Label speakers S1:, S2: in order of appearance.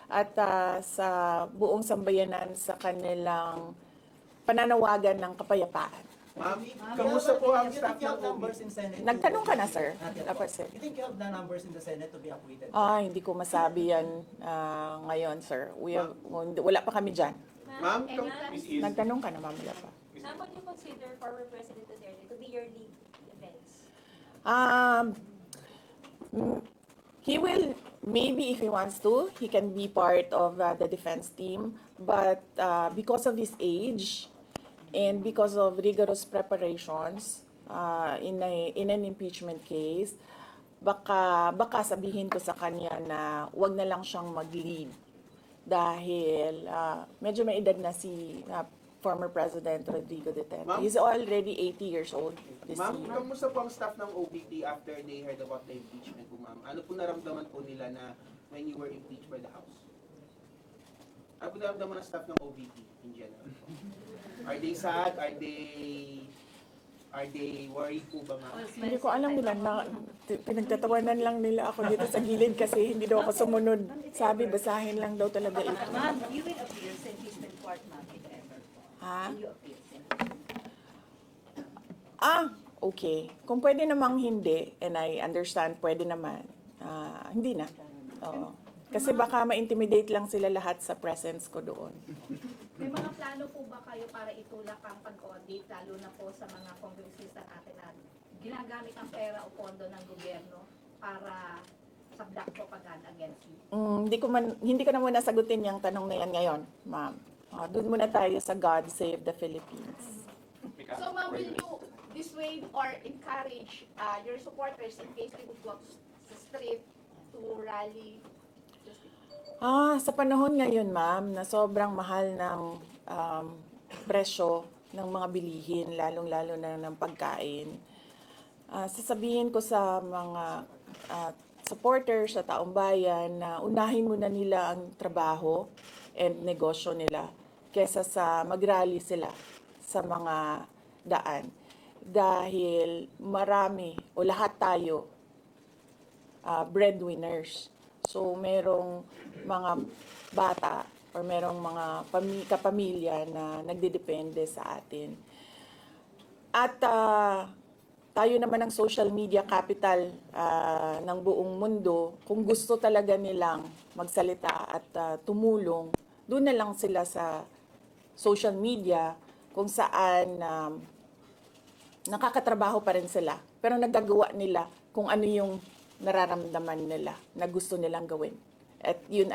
S1: at sa buong sambayanan sa kanilang pananawagan ng kapayapaan.
S2: Ma'am, kamusta po ang staff ng
S3: numbers in Senate?
S1: Nagtanong ka na, sir?
S3: Dapat, sir. You think you have the numbers in the Senate to be acquitted?
S1: Hindi ko masabi yan ngayon, sir. Wala pa kami dyan.
S2: Ma'am,
S1: Nagtanong ka na, ma'am, wala pa.
S4: Ma'am, would you consider former President Duterte to be your lead defense?
S1: He will, maybe if he wants to, he can be part of the defense team. But because of his age and because of rigorous preparations in an impeachment case, baka sabihin ko sa kanya na wag na lang siyang mag-lead dahil medyo may edad na si former President Rodrigo Duterte. He's already 80 years old this
S2: ma'am,
S1: year.
S2: kamusta po ang staff ng OVP after they heard about the impeachment po, ma'am? Ano po naramdaman po nila na when you were impeached by the House? Ano po naramdaman ng staff ng OVP in general? Are they sad? Are they worried po ba, ma'am?
S1: Hindi ko alam nila na pinagtatawanan lang nila ako dito sa gilid kasi hindi daw ako sumunod. Sabi, basahin lang daw talaga ito.
S5: Ma'am, you will appear sa impeachment court, ma'am, if ever.
S1: Ha?
S5: Will you appear sa
S1: Okay. Kung pwede namang hindi, and I understand, pwede naman. Hindi na. Oo. Kasi baka ma-intimidate lang sila lahat sa presence ko doon.
S6: May mga plano po ba kayo para itulak ang pag-audit, lalo na po sa mga kongresista natin na ginagamit ang pera o pondo ng gobyerno para sa black propaganda against you?
S1: Hindi ko na muna sagutin yung tanong na yan ngayon, ma'am. Doon muna tayo sa God Save the Philippines.
S6: So ma'am, will you dissuade or encourage your supporters in case they would go sa street to rally?
S1: Sa panahon ngayon, ma'am, na sobrang mahal ng presyo ng mga bilihin, lalong-lalo na ng pagkain, sasabihin ko sa mga supporters sa taong bayan na unahin muna nila ang trabaho and negosyo nila kesa sa mag-rally sila sa mga daan. Dahil marami o lahat tayo breadwinners. So merong mga bata or merong mga kapamilya na nagdedepende sa atin. At tayo naman ang social media capital ng buong mundo. Kung gusto talaga nilang magsalita at tumulong, doon na lang sila sa social media kung saan nakakatrabaho pa rin sila. Pero nagagawa nila kung ano yung nararamdaman nila na gusto nilang gawin. At yun